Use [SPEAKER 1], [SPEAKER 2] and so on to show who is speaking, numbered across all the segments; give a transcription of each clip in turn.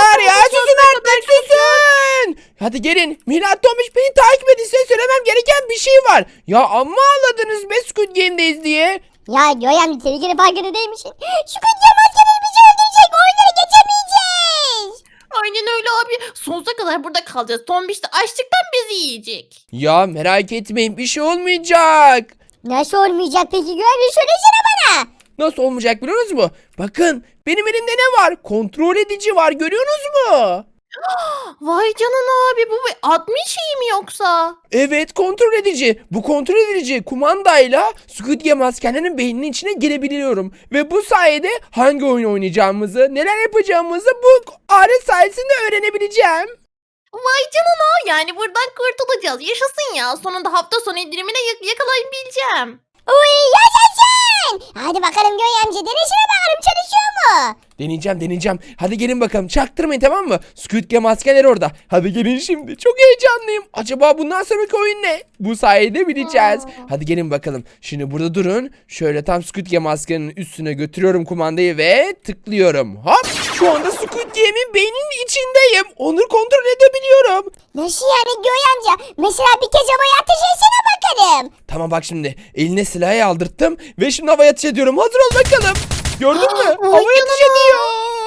[SPEAKER 1] çocuklar ya, susun artık, susun. Hadi gelin. Mila, Tomiş, beni takip edin, size söylemem gereken bir şey var. Ya amma ağladınız be Squid Game'deyiz diye.
[SPEAKER 2] Ya Göğen tehlikeli farkında değil misin? Şu kutluya maskeleri bizi öldürecek. Oyunları geçemeyeceğiz.
[SPEAKER 3] Aynen öyle abi. Sonsuza kadar burada kalacağız. Tombiş de açlıktan bizi yiyecek.
[SPEAKER 1] Ya merak etmeyin, bir şey olmayacak.
[SPEAKER 2] Nasıl olmayacak peki Göğen? Söylesene bana.
[SPEAKER 1] Nasıl olmayacak biliyorsunuz mu? Bakın, benim elimde ne var? Kontrol edici var, görüyorsunuz mu?
[SPEAKER 3] Vay canına abi, bu bir admin şeyi mi yoksa?
[SPEAKER 1] Evet, kontrol edici. Bu kontrol edici kumandayla Squid Game askerlerinin beyninin içine girebiliyorum. Ve bu sayede hangi oyun oynayacağımızı, neler yapacağımızı bu alet sayesinde öğrenebileceğim.
[SPEAKER 3] Vay canına, yani buradan kurtulacağız. Yaşasın ya. Sonunda hafta sonu indirimine yakalayabileceğim.
[SPEAKER 2] Uy yaşasın. Hadi bakalım Göğen amca denesine bakalım çalışıyor mu?
[SPEAKER 1] Deneyeceğim. Hadi gelin bakalım. Çaktırmayın, tamam mı? Squid Game askerleri orada. Hadi gelin şimdi. Çok heyecanlıyım. Acaba bundan sonraki oyun ne? Bu sayede bileceğiz. Hadi gelin bakalım. Şimdi burada durun. Şöyle tam Squid Game askerinin üstüne götürüyorum kumandayı ve tıklıyorum. Hop! Şu anda Squid Game'in beyninin içindeyim. Onu kontrol edebiliyorum.
[SPEAKER 2] Nasıl yani Göğen amca? Mesela bir kez havaya ateş etsene bakalım.
[SPEAKER 1] Tamam, bak şimdi. Eline silahı aldırttım ve şimdi havaya ateş ediyorum. Hazır ol bakalım. Gördün mü?
[SPEAKER 3] Vay
[SPEAKER 1] Havaya ateş
[SPEAKER 3] canına.
[SPEAKER 1] ediyor.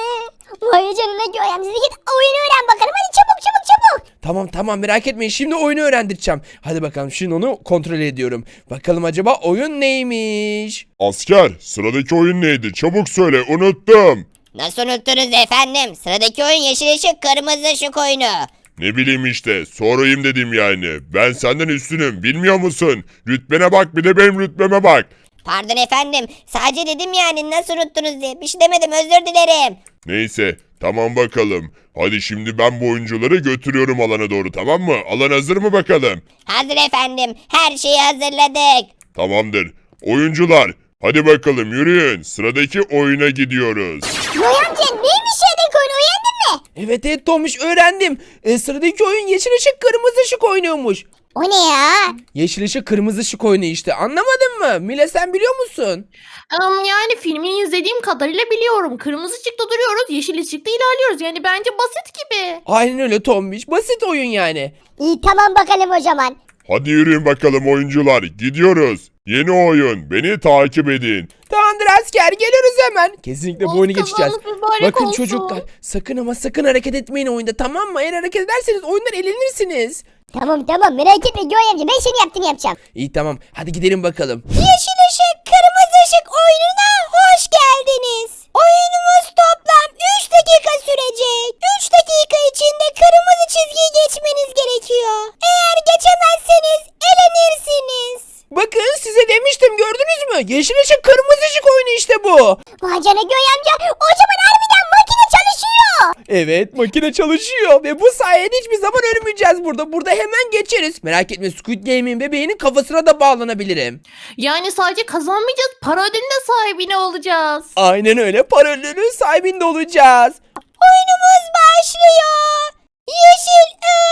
[SPEAKER 2] Vay canına Göğen amca git oyunu öğren bakalım. Hadi çabuk.
[SPEAKER 1] Tamam, merak etmeyin. Şimdi oyunu öğrendireceğim. Hadi bakalım, şimdi onu kontrol ediyorum. Bakalım acaba oyun neymiş?
[SPEAKER 4] Asker, sıradaki oyun neydi? Çabuk söyle, unuttum.
[SPEAKER 5] Nasıl unuttunuz efendim? Sıradaki oyun yeşil ışık kırmızı ışık oyunu.
[SPEAKER 4] Ne bileyim işte, sorayım dedim yani. Ben senden üstünüm, bilmiyor musun? Rütbene bak, bir de benim rütbeme bak.
[SPEAKER 5] Pardon efendim. Sadece dedim yani nasıl unuttunuz diye. Bir şey demedim, özür dilerim.
[SPEAKER 4] Neyse, tamam bakalım. Hadi şimdi ben bu oyuncuları götürüyorum alana doğru, tamam mı? Alan hazır mı bakalım?
[SPEAKER 5] Hazır efendim. Her şeyi hazırladık.
[SPEAKER 4] Tamamdır. Oyuncular, hadi bakalım yürüyün. Sıradaki oyuna gidiyoruz.
[SPEAKER 2] Göğen amca neymiş şeydeki oyunu öğrendin mi?
[SPEAKER 1] Evet Tomiş, öğrendim. Sıradaki oyun yeşil ışık kırmızı ışık oynuyormuş.
[SPEAKER 2] O ne ya?
[SPEAKER 1] Yeşil ışık kırmızı ışık oyunu işte, anlamadın mı? Mila, sen biliyor musun?
[SPEAKER 3] Yani filmini izlediğim kadarıyla biliyorum. Kırmızı ışıkta duruyoruz, yeşil ışıkta ilerliyoruz. Yani bence basit gibi.
[SPEAKER 1] Aynen öyle Tomiş, basit oyun yani.
[SPEAKER 2] İyi tamam bakalım o zaman.
[SPEAKER 4] Hadi yürüyün bakalım oyuncular, gidiyoruz. Yeni oyun, beni takip edin.
[SPEAKER 1] Tamamdır asker, geliyoruz hemen. Kesinlikle bu oyunu geçeceğiz.
[SPEAKER 3] Kazanız mübarek
[SPEAKER 1] Bakın
[SPEAKER 3] olsun.
[SPEAKER 1] çocuklar, sakın ama sakın hareket etmeyin oyunda, tamam mı? Eğer hareket ederseniz oyundan elenirsiniz.
[SPEAKER 2] Tamam merak etme Göğen amca ben senin yaptığını yapacağım.
[SPEAKER 1] İyi tamam, hadi gidelim bakalım.
[SPEAKER 5] Yeşil ışık kırmızı ışık oyununa hoş geldiniz. Oyunumuz toplam 3 dakika sürecek. 3 dakika içinde kırmızı çizgiyi geçmeniz gerekiyor. Eğer geçemezseniz elenirsiniz.
[SPEAKER 1] Bakın, size demiştim, gördünüz mü? Yeşil ışık kırmızı ışık oyunu işte bu.
[SPEAKER 2] Vay canına Göğen amca o zaman harbiden makine çalışıyor.
[SPEAKER 1] Evet, makine çalışıyor ve bu sayede hiçbir zaman ölmeyeceğiz burada. Burada hemen geçeriz. Merak etme, Squid Game'in bebeğinin kafasına da bağlanabilirim.
[SPEAKER 3] Yani sadece kazanmayacağız, para ödülünün de sahibine olacağız.
[SPEAKER 1] Aynen öyle, para ödülünün sahibinde olacağız.
[SPEAKER 5] Oyunumuz başlıyor. Yeşil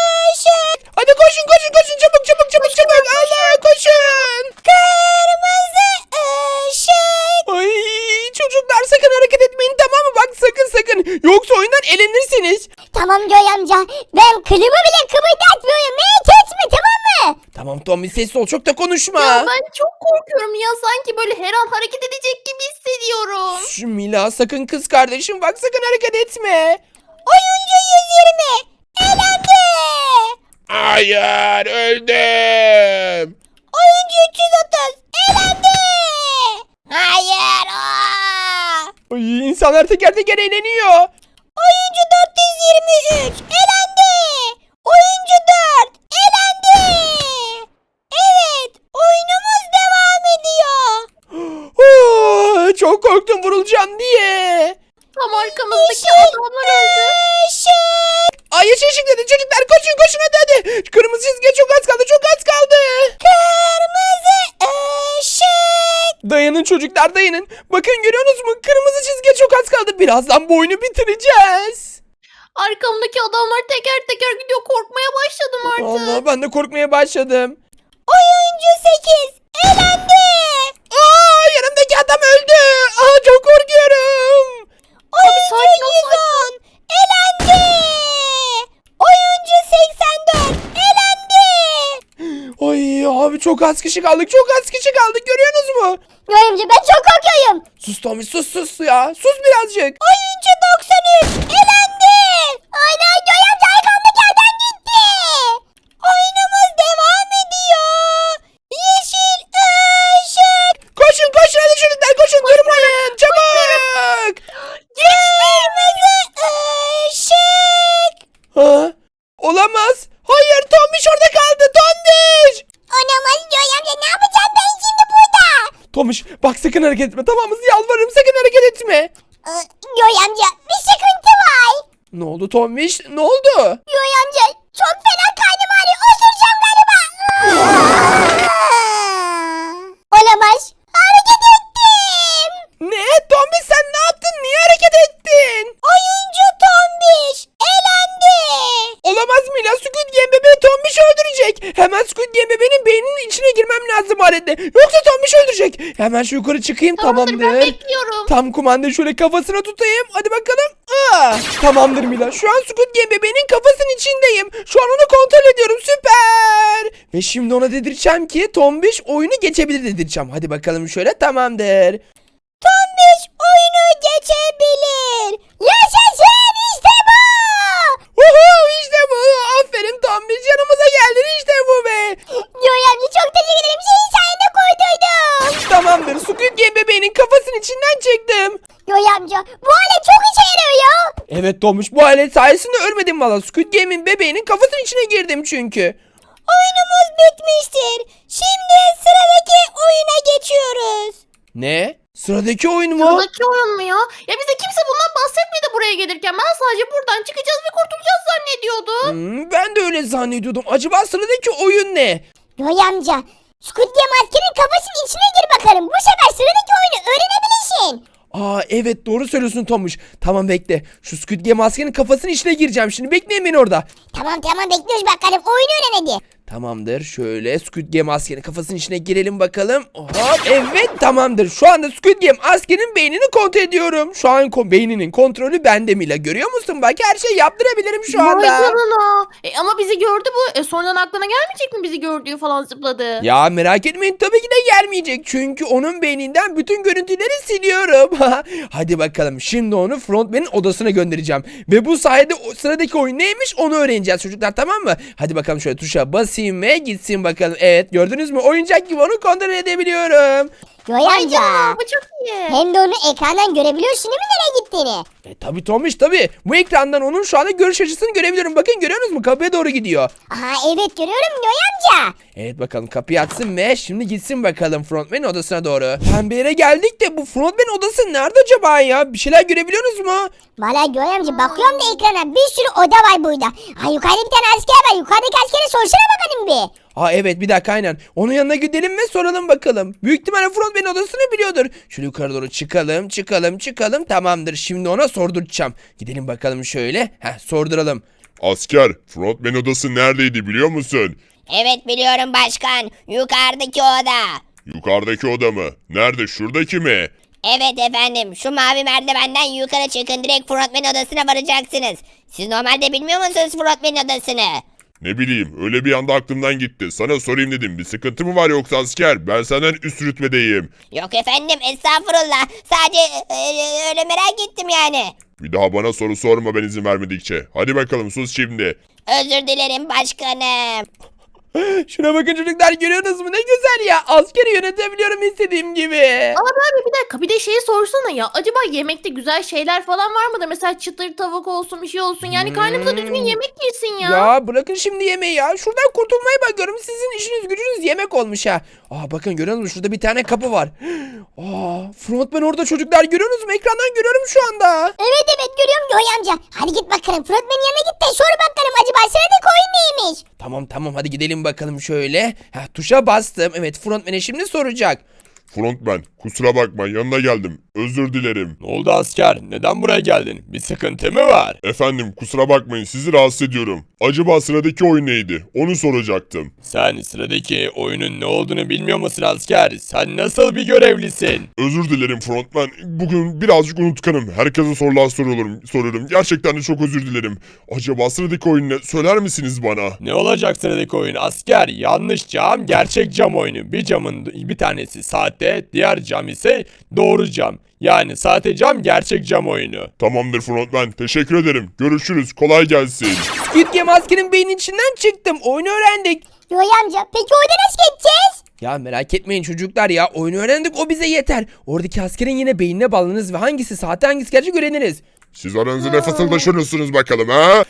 [SPEAKER 5] ışık
[SPEAKER 1] Hadi koşun, çabuk. Allah, koşun.
[SPEAKER 5] kırmızı ışık.
[SPEAKER 1] Ay, çocuklar sakın hareket etmeyin, tamam mı? Bak sakın. Yoksa oyundan elenirsiniz.
[SPEAKER 2] Tamam Göğen amca ben kılımı bile kıpırdatmıyorum merak etme tamam mı?
[SPEAKER 1] Tamam Tommy, sessiz ol, çok da konuşma.
[SPEAKER 3] Ya ben çok korkuyorum ya, sanki böyle her an hareket edecek gibi hissediyorum.
[SPEAKER 1] Şu Mila, sakın kız kardeşim, bak sakın hareket etme.
[SPEAKER 5] Oyuncu 120 elendi.
[SPEAKER 4] Hayır, öldüm.
[SPEAKER 5] Oyuncu 330 elendi. Hayır.
[SPEAKER 1] Ay, insanlar teker teker eğleniyor.
[SPEAKER 5] Oyuncu 423 elendi. Oyuncu 4 elendi. Evet, oyunumuz devam ediyor.
[SPEAKER 1] Çok korktum vurulacağım diye.
[SPEAKER 3] Tam arkamızdaki adamlar öldü.
[SPEAKER 5] Işık.
[SPEAKER 1] Ay, yeşil ışık dedi çocuklar, koşun hadi. Kırmızı çizgiye çok az kaldı.
[SPEAKER 5] Kırmızı ışık.
[SPEAKER 1] Dayanın çocuklar, dayanın. Bakın, görüyorsunuz mu? Kırmızı çizgiye çok az kaldı. Birazdan bu oyunu bitireceğiz.
[SPEAKER 3] Arkamdaki adamlar teker teker gidiyor, korkmaya başladım artık.
[SPEAKER 1] Allah, ben de korkmaya başladım.
[SPEAKER 5] Oyuncu 8 elendi.
[SPEAKER 1] Yanımdaki adam öldü. Çok korkuyorum.
[SPEAKER 5] Oyuncu
[SPEAKER 3] sakin ol,
[SPEAKER 5] 110 elendi.
[SPEAKER 1] çok az kişi kaldık. Çok az kişi kaldık. Görüyorsunuz mu?
[SPEAKER 2] Göğe amca ben çok korkuyorum.
[SPEAKER 1] Sus Tombiş sus ya. Sus birazcık.
[SPEAKER 5] Oyuncu 93 elendi.
[SPEAKER 2] Ana Göğe amca arkamdaki adam gitti.
[SPEAKER 5] Oyunumuz devam ediyor. Yeşil ışık.
[SPEAKER 1] Koşun hadi çocuklar koşun. Durmayın. Çabuk.
[SPEAKER 5] Kırmızı ışık.
[SPEAKER 1] Ha? Olamaz. Hayır Tombiş orada kaldı. Tombiş.
[SPEAKER 2] Olamaz Göğe amca ne yapacağım ben şimdi burada?
[SPEAKER 1] Tombiş bak sakın hareket etme. Tamam mı? Yalvarırım sakın hareket etme.
[SPEAKER 2] Göğe amca bir sıkıntı var.
[SPEAKER 1] Ne oldu Tombiş? Ne oldu?
[SPEAKER 2] Göğe amca çok fena karnım ağrıyor. Osuracağım galiba. Olamaz. Hareket ettim.
[SPEAKER 1] Ne? Tombiş sen ne yaptın? Niye hareket ettin?
[SPEAKER 5] Oyuncu Tombiş elendi.
[SPEAKER 1] Olamaz Mila. Squid Game bebeği Tombiş öldürecek. Hemen Squid Game bebeğinin beyninin içine girmem lazım halinde. Yoksa Tombiş öldürecek. Hemen şu yukarı çıkayım.
[SPEAKER 3] Tamamdır, ben bekliyorum.
[SPEAKER 1] Tam kumandayı şöyle kafasına tutayım. Hadi bakalım. Tamamdır Mila. Şu an Squid Game bebeğinin kafasının içindeyim. Şu an onu kontrol ediyorum. Süper. Ve şimdi ona dedireceğim ki Tombiş oyunu geçebilir dedireceğim. Hadi bakalım şöyle. Tamamdır.
[SPEAKER 5] Tombiş oyunu geçebilir.
[SPEAKER 2] Yaşasın işte bu.
[SPEAKER 1] İşte bu. Aferin Tombiş. Yanımıza geldin. İşte bu be.
[SPEAKER 2] Göğe amca çok teşekkür ederim. Senin sayende kurtuldum.
[SPEAKER 1] Tamamdır. Squid Game bebeğinin kafasının içinden çektim.
[SPEAKER 2] Göğe amca bu alet çok işe yarıyor ya.
[SPEAKER 1] Evet Tomuş bu alet sayesinde ölmedim valla. Squid Game'in bebeğinin kafasının içine girdim çünkü.
[SPEAKER 5] Oyunumuz bitmiştir. Şimdi sıradaki oyuna geçiyoruz.
[SPEAKER 1] Ne? Sıradaki oyun mu?
[SPEAKER 3] Sıradaki oyun mu ya? Ya bize kimse bundan bahsetmedi buraya gelirken. Ben sadece buradan çıkacağız ve kurtulacağız zannediyordum.
[SPEAKER 1] Ben de öyle zannediyordum. Acaba sıradaki oyun ne?
[SPEAKER 2] Göğe amca Squid Game askerin kafasının içine gir bakalım. Bu sefer sıradaki oyunu öğrenebilirsin.
[SPEAKER 1] Evet doğru söylüyorsun Tomuş. Tamam bekle. Şu Squid Game maskenin kafasının içine gireceğim şimdi. Bekleyin beni orada.
[SPEAKER 2] Tamam bekliyoruz bakalım. Oyunu öğren hadi.
[SPEAKER 1] Tamamdır. Şöyle Squid Game askerin kafasının içine girelim bakalım. Hop evet tamamdır. Şu anda Squid Game askerin beynini kontrol ediyorum. Şu an beyninin kontrolü bende Mila. Görüyor musun? Bak her şeyi yaptırabilirim şu
[SPEAKER 3] Vay
[SPEAKER 1] anda.
[SPEAKER 3] canına. Ama bizi gördü bu. Sonradan aklına gelmeyecek mi bizi gördüğü falan zıpladı?
[SPEAKER 1] Ya merak etmeyin tabii ki de gelmeyecek. Çünkü onun beyninden bütün görüntüleri siliyorum. Hadi bakalım şimdi onu frontman'in odasına göndereceğim. Ve bu sayede sıradaki oyun neymiş onu öğreneceğiz çocuklar, tamam mı? Hadi bakalım şöyle tuşa basayım ve gitsin bakalım. Evet gördünüz mü, oyuncak gibi onu kontrol edebiliyorum.
[SPEAKER 2] Göğe
[SPEAKER 3] Vay
[SPEAKER 2] amca.
[SPEAKER 3] canına, bu çok iyi.
[SPEAKER 2] Hem de onu ekrandan görebiliyorsun değil mi nereye gittiğini?
[SPEAKER 1] Tabii Tomiş tabii. Bu ekrandan onun şu anda görüş açısını görebiliyorum. Bakın görüyorsunuz mu? Kapıya doğru gidiyor.
[SPEAKER 2] Aha evet görüyorum Göğe amca.
[SPEAKER 1] Evet bakalım kapıyı açsın ve şimdi gitsin bakalım frontman'in odasına doğru. Pembe yere geldik de bu frontman'in odası nerede acaba ya? Bir şeyler görebiliyorsunuz mu?
[SPEAKER 2] Valla Göğe amca bakıyorum da ekrana bir sürü oda var burada. Ha yukarıda bir tane asker var. Yukarıdaki askere sorsana bakalım bir.
[SPEAKER 1] Evet bir dakika aynen. Onun yanına gidelim ve soralım bakalım. Büyük ihtimalle frontman'in odasını biliyordur. Şöyle yukarı doğru çıkalım. Tamamdır şimdi ona sorduracağım. Gidelim bakalım şöyle. Sorduralım.
[SPEAKER 4] Asker, frontman odası neredeydi biliyor musun?
[SPEAKER 5] Evet biliyorum başkan. Yukarıdaki oda.
[SPEAKER 4] Yukarıdaki oda mı? Nerede? Şuradaki mi?
[SPEAKER 5] Evet efendim. Şu mavi merdivenden yukarı çıkın. Direkt frontman odasına varacaksınız. Siz normalde bilmiyor musunuz frontman odasını?
[SPEAKER 4] Ne bileyim, öyle bir anda aklımdan gitti. Sana sorayım dedim. Bir sıkıntı mı var yoksa asker? Ben senden üst rütbedeyim.
[SPEAKER 5] Yok efendim estağfurullah. Sadece öyle merak ettim yani.
[SPEAKER 4] Bir daha bana soru sorma ben izin vermedikçe. Hadi bakalım sus şimdi.
[SPEAKER 5] Özür dilerim başkanım.
[SPEAKER 1] Şuna bakın çocuklar, görüyorsunuz mu? Ne güzel ya. Askeri yönetebiliyorum istediğim gibi.
[SPEAKER 3] Ama abi bir dakika, bir de şeyi sorsana ya. Acaba yemekte güzel şeyler falan var mıdır? Mesela çıtır tavuk olsun, bir şey olsun. Yani karnımıza düzgün yemek girsin ya.
[SPEAKER 1] Ya bırakın şimdi yemeği ya. Şuradan kurtulmaya bakıyorum. Sizin işiniz gücünüz yemek olmuş ha. Bakın görüyor musunuz? Şurada bir tane kapı var. Frontman orada çocuklar, görüyorsunuz mu? Ekrandan görüyorum şu anda.
[SPEAKER 2] Evet görüyorum Göğe amca. Hadi git bakalım frontmanın yanına git de sor bakalım acaba sıradaki oyun neymiş?
[SPEAKER 1] Tamam hadi gidelim bakalım şöyle. Tuşa bastım. Evet frontman'e şimdi soracak.
[SPEAKER 4] Frontman, Kusura bakma yanına geldim. Özür dilerim.
[SPEAKER 6] Ne oldu asker? Neden buraya geldin? Bir sıkıntı mı var?
[SPEAKER 4] Efendim kusura bakmayın sizi rahatsız ediyorum. Acaba sıradaki oyun neydi? Onu soracaktım.
[SPEAKER 6] Sen sıradaki oyunun ne olduğunu bilmiyor musun asker? Sen nasıl bir görevlisin?
[SPEAKER 4] Özür dilerim frontman. Bugün birazcık unutkanım. Herkese sorular soruyorum. Gerçekten de çok özür dilerim. Acaba sıradaki oyun ne? Söyler misiniz bana?
[SPEAKER 6] Ne olacak sıradaki oyun asker? Yanlış cam, gerçek cam oyunu. Bir camın bir tanesi sahte, diğer cam ise doğru cam. Yani sahte cam, gerçek cam oyunu.
[SPEAKER 4] Tamamdır frontman. Teşekkür ederim. Görüşürüz. Kolay gelsin.
[SPEAKER 1] Squid Game askerin beynin içinden çıktım. Oyunu öğrendik.
[SPEAKER 2] Yoy amca peki orada nasıl geçeceğiz?
[SPEAKER 1] Ya merak etmeyin çocuklar ya. Oyunu öğrendik o bize yeter. Oradaki askerin yine beynine bağlanırız ve hangisi sahte hangisi gerçek öğreniriz.
[SPEAKER 4] Siz aranızda ne fısıldaşıyorsunuz bakalım ha?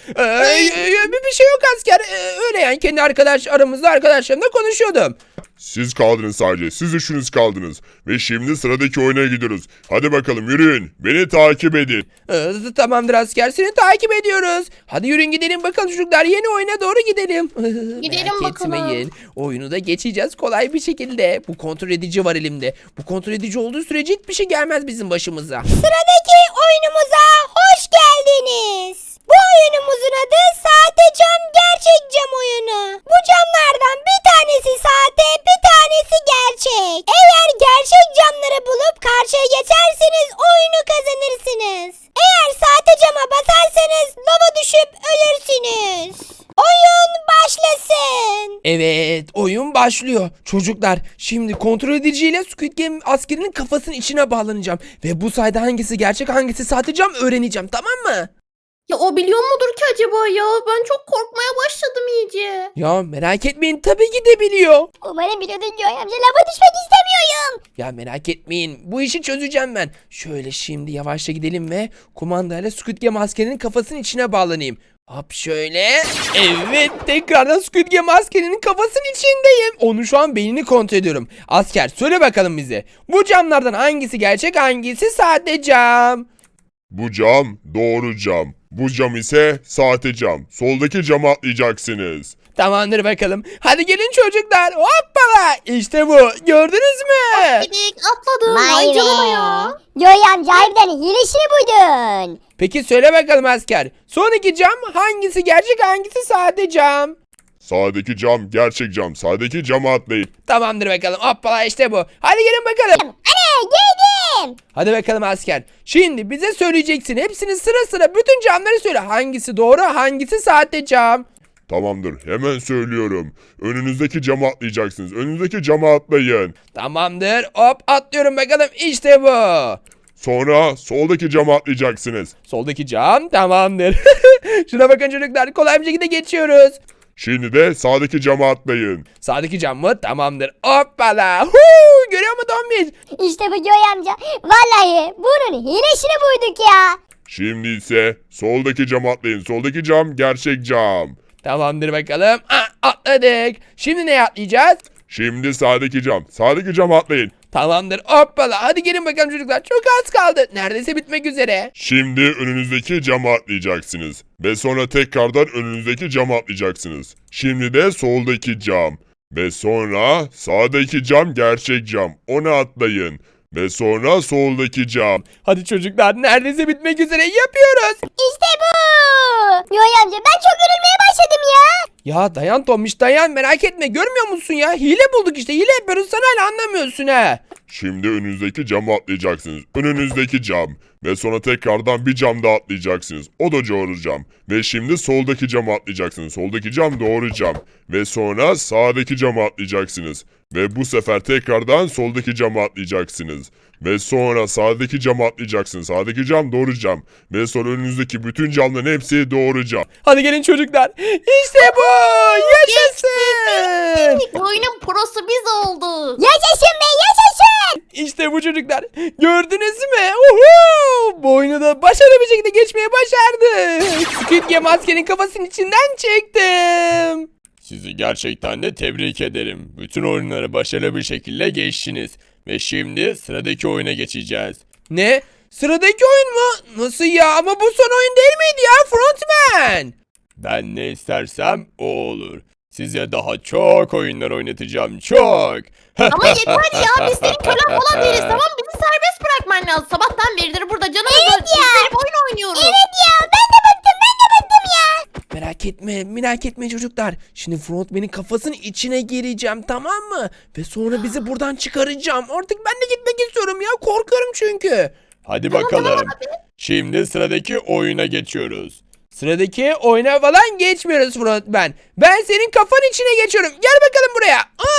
[SPEAKER 1] Bir şey yok asker. Öyle yani kendi aramızda arkadaşlarımla konuşuyordum.
[SPEAKER 4] Siz kaldınız sadece. Siz üçünüz kaldınız. Ve şimdi sıradaki oyuna gidiyoruz. Hadi bakalım yürüyün. Beni takip edin.
[SPEAKER 1] Tamamdır asker seni takip ediyoruz. Hadi yürüyün gidelim bakalım çocuklar yeni oyuna doğru gidelim.
[SPEAKER 3] Gidelim
[SPEAKER 1] Merak
[SPEAKER 3] bakalım.
[SPEAKER 1] etmeyin. Oyunu da geçeceğiz kolay bir şekilde. Bu kontrol edici var elimde. Bu kontrol edici olduğu sürece hiçbir şey gelmez bizim başımıza.
[SPEAKER 5] Sıradaki oyunumuza hoş geldiniz. Bu oyunumuzun adı sahte cam gerçek cam oyunu. Bu camlardan bir tanesi sahte bir tanesi gerçek. Eğer gerçek camları bulup karşıya geçerseniz oyunu kazanırsınız. Eğer sahte cama basarsanız lava düşüp ölürsünüz. Oyun başlasın.
[SPEAKER 1] Evet oyun başlıyor. Çocuklar şimdi kontrol ediciyle Squid Game askerinin kafasının içine bağlanacağım. Ve bu sayede hangisi gerçek hangisi sahte cam öğreneceğim tamam mı?
[SPEAKER 3] Ya o biliyor mudur ki acaba ya? Ben çok korkmaya başladım iyice.
[SPEAKER 1] Ya merak etmeyin tabii ki de biliyor.
[SPEAKER 2] Umarım biliyordun Yoy amca lava düşmek istemiyorum.
[SPEAKER 1] Ya merak etmeyin bu işi çözeceğim ben. Şöyle şimdi yavaşça gidelim ve kumandayla Squid Game askerinin kafasının içine bağlanayım. Hop şöyle. Evet tekrardan Squid Game askerinin kafasının içindeyim. Onu şu an beynini kontrol ediyorum. Asker söyle bakalım bize. Bu camlardan hangisi gerçek hangisi sahte cam?
[SPEAKER 4] Bu cam doğru cam. Bu cam ise sahte cam. Soldaki cama atlayacaksınız.
[SPEAKER 1] Tamamdır bakalım. Hadi gelin çocuklar. Hoppala. İşte bu. Gördünüz mü?
[SPEAKER 3] Gidik atladım.
[SPEAKER 2] Vay
[SPEAKER 3] Ay
[SPEAKER 2] be.
[SPEAKER 3] canına ya.
[SPEAKER 2] Yoy amca harbiden hilesini buydun.
[SPEAKER 1] Peki söyle bakalım asker. Sonraki cam hangisi gerçek hangisi sahte cam?
[SPEAKER 4] Sağdaki cam gerçek cam. Sağdaki cama atlayın.
[SPEAKER 1] Tamamdır bakalım. Hoppala işte bu. Hadi gelin bakalım.
[SPEAKER 2] Ana geldim.
[SPEAKER 1] Hadi bakalım asker. Şimdi bize söyleyeceksin. Hepsini sıra sıra bütün camları söyle. Hangisi doğru hangisi sahte cam?
[SPEAKER 4] Tamamdır. Hemen söylüyorum. Önünüzdeki cama atlayacaksınız. Önünüzdeki cama atlayın.
[SPEAKER 1] Tamamdır. Hop atlıyorum bakalım. İşte bu.
[SPEAKER 4] Sonra soldaki cama atlayacaksınız.
[SPEAKER 1] Soldaki cam tamamdır. Şuna bakın çocuklar. Kolay bir şekilde geçiyoruz.
[SPEAKER 4] Şimdi de sağdaki cama atlayın.
[SPEAKER 1] Sağdaki cam mı? Tamamdır. Hoppala. Görüyor musun Tombiş?
[SPEAKER 2] İşte bu Yoy amca. Vallahi bunun hilesini buyduk ya.
[SPEAKER 4] Şimdi ise soldaki cama atlayın. Soldaki cam gerçek cam.
[SPEAKER 1] Tamamdır bakalım. Atladık. Şimdi neye atlayacağız?
[SPEAKER 4] Şimdi sağdaki cam. Sağdaki cama atlayın.
[SPEAKER 1] Tamamdır. Hoppala. Hadi gelin bakalım çocuklar. Çok az kaldı. Neredeyse bitmek üzere.
[SPEAKER 4] Şimdi önünüzdeki cama atlayacaksınız. Ve sonra tekrardan önünüzdeki cama atlayacaksınız. Şimdi de soldaki cam. Ve sonra sağdaki cam gerçek cam. Ona atlayın. Ve sonra soldaki cam.
[SPEAKER 1] Hadi çocuklar neredeyse bitmek üzere yapıyoruz.
[SPEAKER 2] İşte bu. Yoy amca ben çok yorulmaya başladım ya.
[SPEAKER 1] Ya dayan Tomiş dayan merak etme görmüyor musun ya? Hile bulduk işte hile yapıyoruz sen hala anlamıyorsun ha.
[SPEAKER 4] Şimdi önünüzdeki cama atlayacaksınız. Önünüzdeki cam. Ve sonra tekrardan bir cam daha atlayacaksınız. O da doğru cam. Ve şimdi soldaki cama atlayacaksınız. Soldaki cam doğru cam. Ve sonra sağdaki cama atlayacaksınız. Ve bu sefer tekrardan soldaki cama atlayacaksınız. Ve sonra sağdaki cama atlayacaksınız. Sağdaki cam doğru cam. Ve sonra önünüzdeki bütün camların hepsi doğru cam.
[SPEAKER 1] Hadi gelin çocuklar. İşte bu. Yaşasın.
[SPEAKER 3] Bu oyunun prosu biz olduk.
[SPEAKER 2] Yaşasın be yaşasın.
[SPEAKER 1] İşte bu çocuklar. Gördünüz mü? Uhu! Bu oyunu da başarılı bir şekilde geçmeye başardık. Squid Game askerin kafasının içinden çektim.
[SPEAKER 6] Sizi gerçekten de tebrik ederim. Bütün oyunları başarılı bir şekilde geçtiniz. Ve şimdi sıradaki oyuna geçeceğiz.
[SPEAKER 1] Ne? Sıradaki oyun mu? Nasıl ya? Ama bu son oyun değil miydi ya Frontman?
[SPEAKER 6] Ben ne istersem o olur. Size daha çok oyunlar oynatacağım. Çok.
[SPEAKER 3] Ama yeter ya biz senin kölen falan değiliz tamam mı? Bizi serbest bırakman lazım. Sabahtan beridir burada canımızı izleyip oyun oynuyoruz.
[SPEAKER 2] Evet ya ben de bıktım ya.
[SPEAKER 1] Merak etme çocuklar. Şimdi frontman'in kafasının içine gireceğim, tamam mı? Ve sonra bizi buradan çıkaracağım. Artık ben de gitmek istiyorum ya. Korkuyorum çünkü.
[SPEAKER 6] Hadi bakalım. Şimdi sıradaki oyuna geçiyoruz.
[SPEAKER 1] Sıradaki oyuna falan geçmiyoruz frontman. Ben senin kafanın içine geçiyorum. Gel bakalım buraya.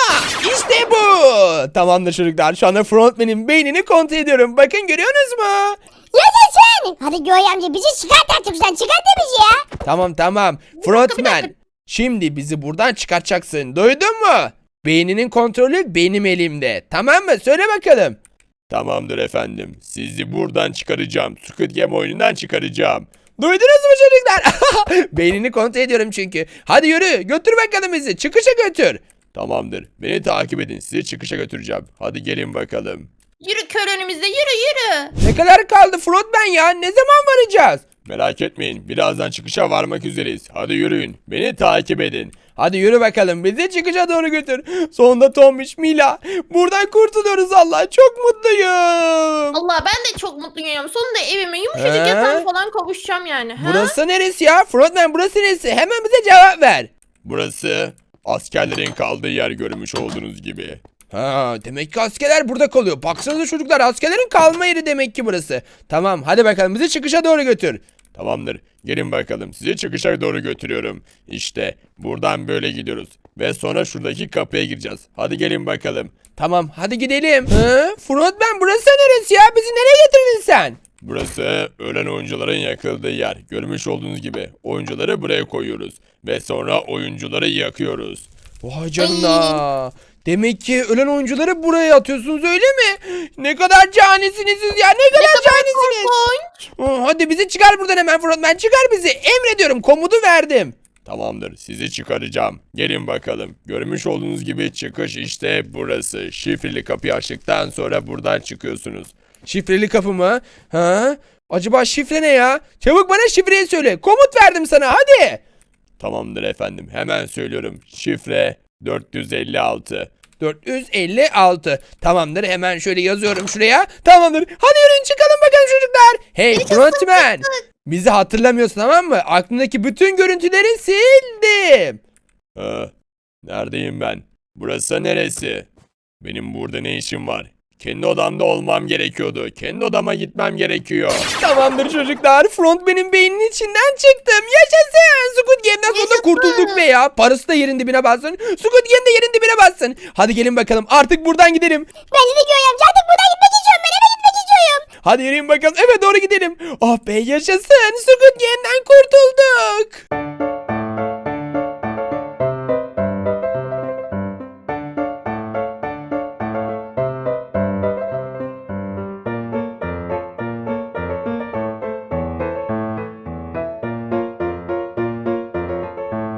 [SPEAKER 1] İşte bu. Tamamdır çocuklar. Şu anda frontman'in beynini kontrol ediyorum. Bakın, görüyorsunuz mu?
[SPEAKER 2] Yaşasın. Hadi Göğe amca bizi çıkart artık sen. Çıkart da bizi ya.
[SPEAKER 1] Tamam.
[SPEAKER 3] bir
[SPEAKER 1] Frontman.
[SPEAKER 3] dakika.
[SPEAKER 1] Şimdi bizi buradan çıkartacaksın. Duydun mu? Beyninin kontrolü benim elimde. Tamam mı? Söyle bakalım.
[SPEAKER 6] Tamamdır efendim. Sizi buradan çıkaracağım. Squid Game oyunundan çıkaracağım.
[SPEAKER 1] Duydunuz mu çocuklar? Beynini kontrol ediyorum çünkü. Hadi yürü. Götür bakalım bizi. Çıkışa götür.
[SPEAKER 6] Tamamdır. Beni takip edin. Sizi çıkışa götüreceğim. Hadi gelin bakalım.
[SPEAKER 3] Yürü kör önümüzde yürü.
[SPEAKER 1] Ne kadar kaldı frontman ya? Ne zaman varacağız?
[SPEAKER 6] Merak etmeyin. Birazdan çıkışa varmak üzereyiz. Hadi yürüyün. Beni takip edin.
[SPEAKER 1] Hadi yürü bakalım, bizi çıkışa doğru götür. Sonunda Tombiş, Mila, buradan kurtuluyoruz Allah. Çok mutluyum.
[SPEAKER 3] Allah ben de çok mutluyum. Sonunda evime yumuşacık
[SPEAKER 1] He?
[SPEAKER 3] yatağım falan kavuşacağım yani. Ha?
[SPEAKER 1] Burası neresi ya? Frontman, burası neresi? Hemen bize cevap ver.
[SPEAKER 6] Burası askerlerin kaldığı yer, görmüş olduğunuz gibi.
[SPEAKER 1] Ha, demek ki askerler burada kalıyor. Baksanıza çocuklar, askerlerin kalma yeri demek ki burası. Tamam, hadi bakalım bizi çıkışa doğru götür.
[SPEAKER 6] Tamamdır. Gelin bakalım. Sizi çıkışa doğru götürüyorum. İşte buradan böyle gidiyoruz. Ve sonra şuradaki kapıya gireceğiz. Hadi gelin bakalım.
[SPEAKER 1] Tamam, hadi gidelim. Frontman, burası neresi ya? Bizi nereye getirdin sen?
[SPEAKER 6] Burası ölen oyuncuların yakıldığı yer. Görmüş olduğunuz gibi oyuncuları buraya koyuyoruz. Ve sonra oyuncuları yakıyoruz.
[SPEAKER 1] Vay canına. Demek ki ölen oyuncuları buraya atıyorsunuz, öyle mi? Ne kadar canisiniz siz ya, ne kadar canisiniz.
[SPEAKER 3] Korkunç.
[SPEAKER 1] Hadi bizi çıkar buradan hemen frontman, çıkar bizi. Emrediyorum, komutu verdim.
[SPEAKER 6] Tamamdır. Sizi çıkaracağım. Gelin bakalım. Görmüş olduğunuz gibi çıkış işte burası. Şifreli kapıyı açtıktan sonra buradan çıkıyorsunuz.
[SPEAKER 1] Şifreli kapı mı? Ha? Acaba şifre ne ya? Çabuk bana şifreyi söyle. Komut verdim sana, hadi.
[SPEAKER 6] Tamamdır efendim. Hemen söylüyorum. Şifre 456.
[SPEAKER 1] 456. Tamamdır, hemen şöyle yazıyorum şuraya. Tamamdır. Hadi yürüyün çıkalım bakalım çocuklar. Hey frontman. Bizi hatırlamıyorsun, tamam mı? Aklındaki bütün görüntüleri sildim.
[SPEAKER 6] Neredeyim ben? Burası neresi? Benim burada ne işim var? Kendi odamda olmam gerekiyordu. Kendi odama gitmem gerekiyor.
[SPEAKER 1] Tamamdır çocuklar. Frontman'in beyninin içinden çıktım. Yaşasın. Squid Game'den sonunda
[SPEAKER 3] Yaşasın.
[SPEAKER 1] kurtulduk be ya. Parası da yerin dibine bassın. Squid Game de yerin dibine bassın. Hadi gelin bakalım. Artık buradan gidelim.
[SPEAKER 2] Bence de Göğe amca artık buradan gitmek istiyorum. Ben eve gitmek istiyorum.
[SPEAKER 1] Hadi yürüyün bakalım. Eve doğru gidelim. Oh be, yaşasın. Squid Game'den kurtulduk.